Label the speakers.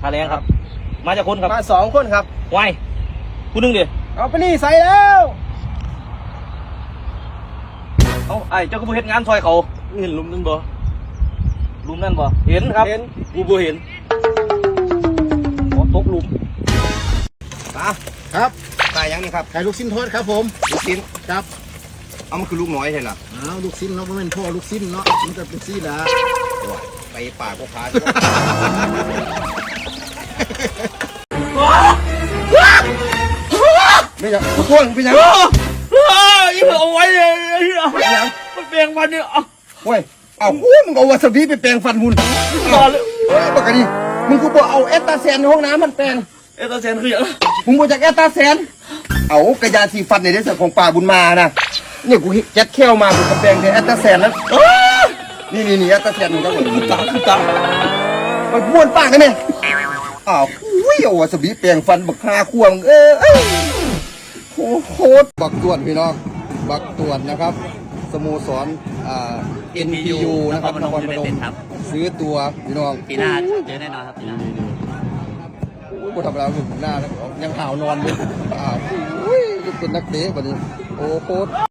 Speaker 1: ค่าแรงครับมาจากคนครับ
Speaker 2: มา2 คนครับ
Speaker 1: ไว้ผู้นึงดิ
Speaker 2: เอาไปนี่ใส่แล้ว
Speaker 1: เอาไอ้เจ้าก็บ่เฮ็ดงานซอยเขาเห็นลุมนั่นบ่ลุมนั่นบ่เห็นครับกูบ่เห็นตกลุม
Speaker 2: ครับ
Speaker 3: ตายยังนี่ครับ
Speaker 2: ไข่ลูกชิ้นทอดครับผม
Speaker 3: ลูกชิ้น
Speaker 2: ครับ
Speaker 3: เอามันคือลูกน้อยใช่หรอ
Speaker 2: ลูกชิ้นเนาะมันเป็นพ่อลูกชิ้นเนาะมันจะเป็นซี่ละ
Speaker 3: ไปป่าก็พา
Speaker 2: ไม่อยากพวงเป็นยัง
Speaker 1: เอาไว้เลยมันแปลงฟันเนี่ย
Speaker 2: โอ้ยเอามึงเอาวาซาบิไปแปรงฟันหุ่น
Speaker 1: ต่อเลย
Speaker 2: ปกติมึงกูบอกเอาเอสตาแซนในห้องน้ำมันแปรง
Speaker 1: เอตาเซนคืออย่าง
Speaker 2: มึงบอกจากเอสตาแซนเอากระยาสีฟันในเรื่องของป่าบุญมานะเนี่ยกูแจ็คเขี้ยวมากูกระแปรงในเอสตาแซนแล้วนี่เอสตาแซนมึงก็เหมือน
Speaker 1: คือตา
Speaker 2: ไปบ้วนปากกันเนี่ยอ้าวเอาวาซาบิแปรงฟันบักคาควงโคตรบักตวนพี่น้องบักตวนนะครับสโมสรNPU นะครับนครพนมซื้อตัวพี่น้อง
Speaker 1: ปีหน้าเจอแน่นอนครับปีหน้า
Speaker 2: กูทำแล้วหน้ายังห่าวนอนเลยเป็นนักเตะวันนี้โอ้โคตร